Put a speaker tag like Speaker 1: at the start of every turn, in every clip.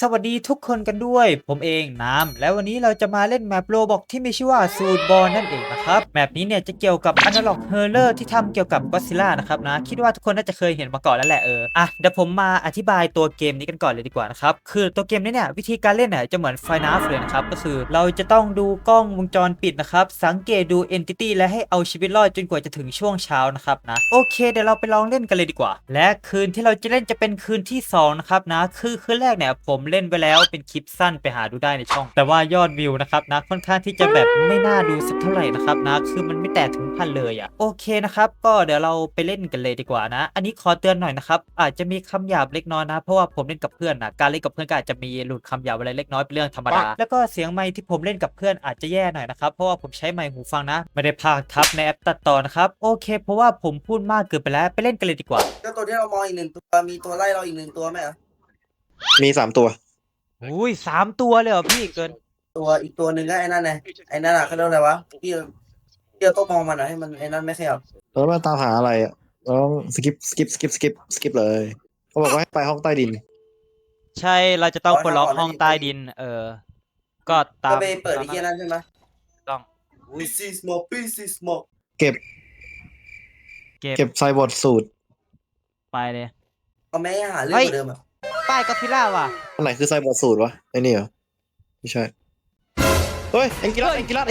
Speaker 1: สวัสดีทุกคนกันด้วยผมเองน้ำแล้ววันนี้เราจะมาเล่นแมปโรบอกที่มีชื่อว่าซูดบอลนั่นเองนะครับแมปนี้เนี่ยจะเกี่ยวกับ Analog Horror ที่ทำเกี่ยวกับก็ d ซิล่านะครับนะคิดว่าทุกคนน่าจะเคยเห็นมาก่อนแล้วแหละเดี๋ยวผมมาอธิบายตัวเกมนี้กันก่อนเลยดีกว่านะครับคือตัวเกมนี้เนี่ยวิธีการเล่นเนี่ยจะเหมือน FNAF เลยนะครับก็คือเราจะต้องดูกล้องวงจรปิดนะครับสังเกตดู Entity และให้เอาชีวิตรอดจนกว่าจะถึงช่วงเช้านะครับนะโอเคเดี๋ยวเราไปลองเล่นกันเลยดีกว่าและคืนที่เราจะเล่นจะเป็นคืนที่2นะครับนะคือคืนแรกเนี่ยผมเล่นไปแล้วเป็นคลิปสั้นไปหาดูได้ในช่องแต่ว่ายอดวิวนะครับนะค่อนข้างที่จะแบบไม่น่าดูสักเท่าไหร่นะครับนะคือมันไม่แตะถึงพันเลยโอเคนะครับก็เดี๋ยวเราไปเล่นกันเลยดีกว่านะอันนี้ขอเตือนหน่อยนะครับอาจจะมีคำหยาบเล็กน้อยนะเพราะว่าผมเล่นกับเพื่อนนะการเล่นกับเพื่อนก็อาจจะมีหลุดคำหยาบอะไรเล็กน้อยเป็นเรื่องธรรมดาแล้วก็เสียงไมค์ที่ผมเล่นกับเพื่อนอาจจะแย่หน่อยนะครับเพราะว่าผมใช้ไมค์หูฟังนะไม่ได้พากย์ทับในแอปตัดต่อนะครับโอเคเพราะว่าผมพูดมากเกินไปแล้วไปเล่นกันเลยดีกว่า
Speaker 2: ก็ตัวที่เรามองอีก1 ตัวมีตัวไล่เราอีก1 ตัวไหมอ่ะ
Speaker 3: มี3 ตัว
Speaker 1: อุ้ย3 ตัวเลยเหรอพี่เกิน
Speaker 2: ตัวอีกตัวหนึ่งก็ไอ้นั่นไงไอ้นั่นอ่ะเขาเรียกอะไรวะที่เราต้องมองมันอ่ะให้มันไอ้นั่นไม่ขยับ
Speaker 3: แล้วมาตามหาอะไรอ่ะเราต้องสกิปเลยเขาบอกว่าให้ไปห้องใต้ดิน
Speaker 1: ใช่เราจะต้องปลดล็อกห้องใต้ดินก็ตา
Speaker 2: ก็
Speaker 1: ม
Speaker 2: ไปเปิดไอ้เหี้ยนั่นใช่ไหม
Speaker 1: ต้อง
Speaker 2: This is smoke This is smoke
Speaker 3: เก็บ
Speaker 1: เก็บ
Speaker 3: เก็บไซบอร์ดสูตร
Speaker 1: ไปเลย
Speaker 2: เอาแม่หาเรื่องกว่าเดิมอ่ะ
Speaker 1: ป้ายก็อดซิลล่าว่ะ
Speaker 3: อันไหนคือไซบอร์ดสูตรวะไอ้นี่เหรอไม่ใช่เฮ้ยเอ็งกิรัส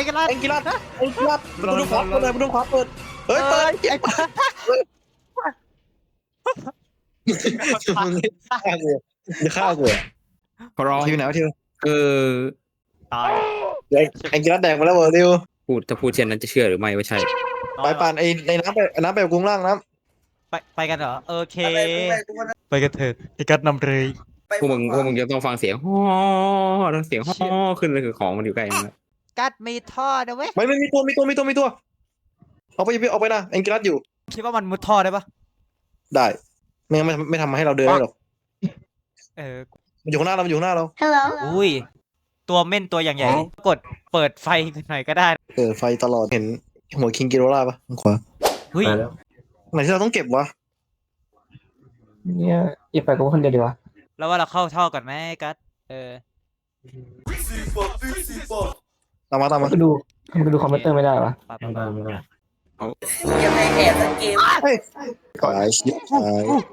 Speaker 3: ประตูขวาเปิดเลยประตูขวาเปิดเฮ้ยเปิดมึงฆ่ากูจะฆ่ากู
Speaker 4: ขอร้อง
Speaker 3: ทีมไหนวะทีม
Speaker 4: เออ
Speaker 1: ตาย
Speaker 3: เอ็งกิรัสแดงมาแล้วเวอร์ดิว
Speaker 4: ถ้าพูดเช่นนั้นจะเชื่อหรือไม่ว่าใช่
Speaker 3: ไปปั่นไอ้น้ำไปกุ้งล่างน้
Speaker 1: ไปกันเหรอโอเค
Speaker 2: ไปทุกคน
Speaker 1: ไปกันเถอะไอ้กัดนำเลย
Speaker 2: ไป
Speaker 4: พวกมึงจะต้องฟังเสียงฮ้อต้องเสียงฮ้อขึ้นเลยคือของมันอยู่ใกล้นั่นแหละ
Speaker 1: กัดมีท่อนะเว้ย
Speaker 3: ำไม่มีตัวเอาไปนะเอ็งกิรัสอยู่
Speaker 1: คิดว่ามันมุดท่อได้ปะ
Speaker 3: ได้ไม่ทำมาให้เราเดินได้หรอก
Speaker 1: เออ
Speaker 3: มันอยู่ข้างหน้าเรา
Speaker 1: อุ้ยตัวเม่นตัวอย่างใหญ่กดเปิดไฟหน่อยก็ได้
Speaker 3: เปิดไฟตลอดเห็นหัวคิงกิโรล่าปะทางขวา
Speaker 1: เฮ้ย
Speaker 3: ไหนที่เราต้องเก็บวะ
Speaker 5: เนี่ยอีกไปกูคนเดียวดีวะ
Speaker 1: แล้วว่าเราเข้าท่อก่อนไหมกัด
Speaker 2: This is smoke This is smoke
Speaker 3: ตามมา
Speaker 5: กูดูคอมพิวเตอร์ไม่ได้วะ
Speaker 1: ไป
Speaker 2: ยังไงแอบสังเกม
Speaker 3: ขายชิปขาย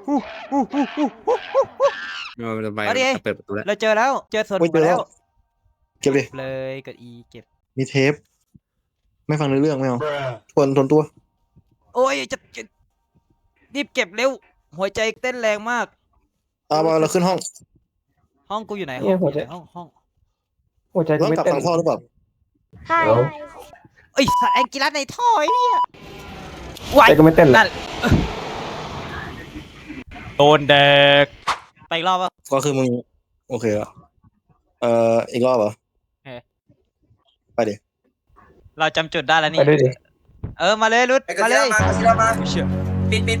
Speaker 4: มันจะไปเปิดประตูแล้ว
Speaker 1: เราเจอแล้วเจอส่วนมาแล้ว
Speaker 3: เก็บดิ
Speaker 1: เลยกด E เก็บ
Speaker 3: มีเทป ไม่ฟังเรื่องไม่เอาทวนตัว
Speaker 1: โอ้ยจะรีบเก็บเร็วหัวใจเต้นแรงมาก
Speaker 3: บอลเราขึ้นห้อง
Speaker 1: ห้องกูอยู่ไหน
Speaker 5: เนี่ยหัวใจ
Speaker 1: ห้อง
Speaker 5: หัวใจกู
Speaker 3: ต้อง
Speaker 5: ไม่
Speaker 3: กลับ
Speaker 5: เต้น
Speaker 3: ทางท่อหรือเปล่า
Speaker 1: เอ้ยสัตว์แองกิลัสในท่อไอ้เนี่ยไหว
Speaker 5: ใจกูไม่เต้นเลย
Speaker 1: นั่นโดนเด็กไปอีกรอบป่ะ
Speaker 3: ก็คือมึงโอเคแล้วอีกรอบเหรอไปดิ
Speaker 1: เราจำจุดได้แล้ว
Speaker 5: ไป
Speaker 1: นี่
Speaker 5: ด้วยดิ
Speaker 1: มาเลยรุด
Speaker 2: ไอ้กระ
Speaker 1: มาเล
Speaker 2: เทีย
Speaker 1: ย
Speaker 2: มมากระเทียมมา
Speaker 1: เชื่อ
Speaker 2: ปิด
Speaker 1: เฮ้ย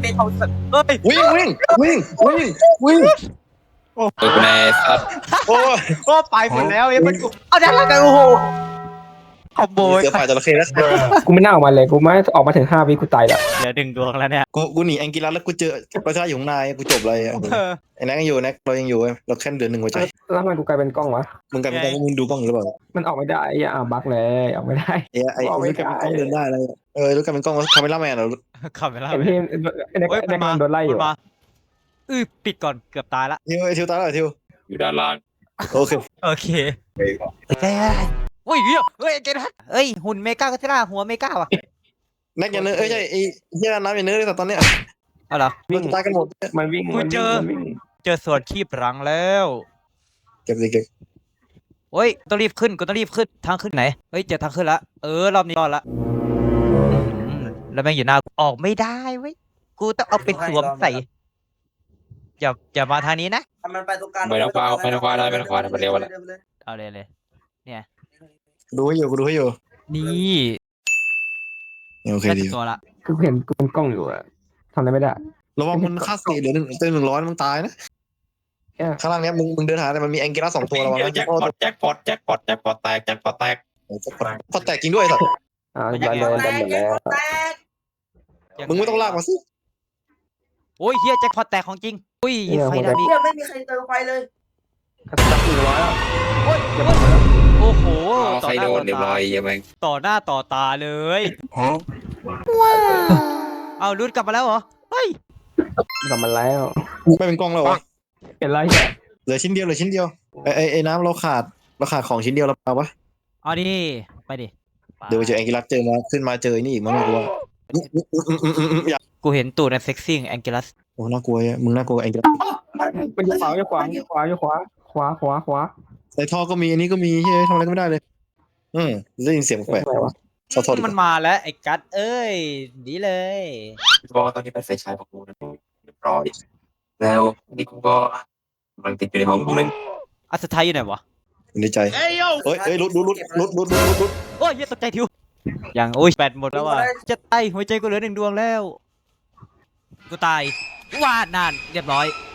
Speaker 3: วิ่ง
Speaker 4: กูในสัตว์
Speaker 3: โอ้ย
Speaker 1: ก็ไปหมดแล้วมันกูเอาได้แล้วกันโอ้โหขโมย
Speaker 3: เสือฝ่ายจระเข้แล้ว
Speaker 5: กูไม่น่าออกมาเลยกูไม่ออกมาถึง5 วิกูตายละ
Speaker 1: เหลือ1 ดวงแล้วเนี่ย
Speaker 3: กูหนีแองกิลัสแล้วกูเจอประชาอยู่ข้างในกูจบเลยไอ้แน็กยังอยู่แน็กเรายังอยู่เราแค่เดือน1หัวใจ
Speaker 5: แล้วทำไมกูกลายเป็นกล้องวะ
Speaker 3: มึงกลายเป็นมึงดูกล้องหรือเปล่า
Speaker 5: มันออกไม่ได้บั๊กเลยออกไม่ได้
Speaker 3: ไอ้รู้กลายเป็นกล้องเดินได้เลยรู้กลายเป็นกล้องคาเมล่าแมนเหรอ
Speaker 1: ขับไปแล้ว
Speaker 5: เห็นพี่ในการโดนไล่อยู่
Speaker 1: มาปิดก่อนเกือบตายละ
Speaker 3: ทิวตายแล้วทิว
Speaker 4: อยู่ด้านล่าง
Speaker 3: โอเค
Speaker 1: โอเคโอ้ยเฮ้ยเกนัทเฮ้ยหุ่นเมกาก็ที่ล่าหัวเมกาว่ะ
Speaker 3: แน็กอย่าเนื้อใช่ไอ้เหี้ยน้ำอย่าเนื้อเลยแต่ตอนเนี้ย
Speaker 1: เอาเหรอ
Speaker 5: วิ่ง
Speaker 3: ตายกันหมด
Speaker 5: มันวิ่ง
Speaker 1: กูเจอ
Speaker 5: มันวิ่ง
Speaker 1: เจอส่วนคีบรังแล้ว
Speaker 3: เก็บ
Speaker 1: โอ้ยต้องรีบขึ้นทางขึ้นไหนเฮ้ยเจอทางขึ้นละรอบนี้รอดละแล้วแม่งอยู่หน้าออกไม่ได้เว้ยกูต้องเอาไปสวมใส่อย่ามาทางนี้นะ
Speaker 2: มันไปตรงกลาง
Speaker 4: ไปทางขวาได้ไปเร็วแล้ว
Speaker 1: เอาเลย
Speaker 3: ดูให้อยู่
Speaker 1: นี่
Speaker 3: โอเค
Speaker 1: ได้
Speaker 3: ดี
Speaker 1: ตัวละ
Speaker 5: คือเห็นกูเป็นกล้องอยู่อะทำอะไรไม่ได้
Speaker 3: ระวังมันค่าสีเหลือ100มึงตายนะข้างล่างเนี้ยมึงเดินหาแต่มันมีแองกิลัส2 ตัวระวังนะ
Speaker 4: แจ็คพอตแจ็คพอตแตก
Speaker 3: พอแตกจริงด้วยสัตว์
Speaker 5: ดันเลยดันหมดแล้ว
Speaker 3: มึงไม่ต้องลากมาสิ
Speaker 1: โอ้ยเฮียแจ็คพอตแตกของจริงอุ้ยไฟดับดิ
Speaker 2: เนี่ยไม่มีใครเติมไฟเลย
Speaker 5: จับ100แล้ว
Speaker 1: โอ้ย
Speaker 5: อย่าบอกแล้ว
Speaker 1: โอ้โห
Speaker 4: ใครโดนเรียบร้อยยังไง
Speaker 1: ต่อหน้าต่อตาเลยเอารุดกลับมาแล้วเหรอเฮ้ย
Speaker 5: กลับมาแล้ว
Speaker 3: ไม่เป็นกล้องแล้ววะ
Speaker 5: เห็นไรเนี่ย
Speaker 3: เหลือชิ้นเดียวไอ้น้ำเราขาดของชิ้นเดียวแล้วเปล่าวะ
Speaker 1: เอาดิไปดิ
Speaker 3: เดี๋ยวไปเจอแองกิลัสเจอมาขึ้นมาเจอนี่อีกมั้งไม่รู้ว่าอยาก
Speaker 1: กูเห็นตูดในเซ็กซี่แองเกลัส
Speaker 3: โอ้น่ากลัวอ่ะมึงน่ากลัวแองกิลัส
Speaker 5: มันอยู่ขวาอยู่ขวาอยู่ขวาอยู่ขวาขวา
Speaker 3: ในท่อก็มีอันนี้ก็มีเฮ้ยทำอะไรก็ไม่ได้เลยได้ยินเสียงแปลก
Speaker 5: อะไรวะ
Speaker 3: ๆขอโทษ
Speaker 1: มันมาแล้วไอ้กัดเอ้ยดีเลย
Speaker 4: ก็ตอนนี้เป็นไฟฉายของกูนะเรียบร้อยแล้วนี่กูก็กำลังติดอยู่ในห้องกูนึง
Speaker 1: อัศทัยอยู่ไหนวะ
Speaker 3: ในใจเฮ้ยรุด
Speaker 1: โอ้ยเหี้ยตกใจทิวยังโอ้ยแบตหมดแล้วว่ะจะตายหัวใจกูเหลือ1 ดวงแล้วกูตายว่านานเรียบร้อย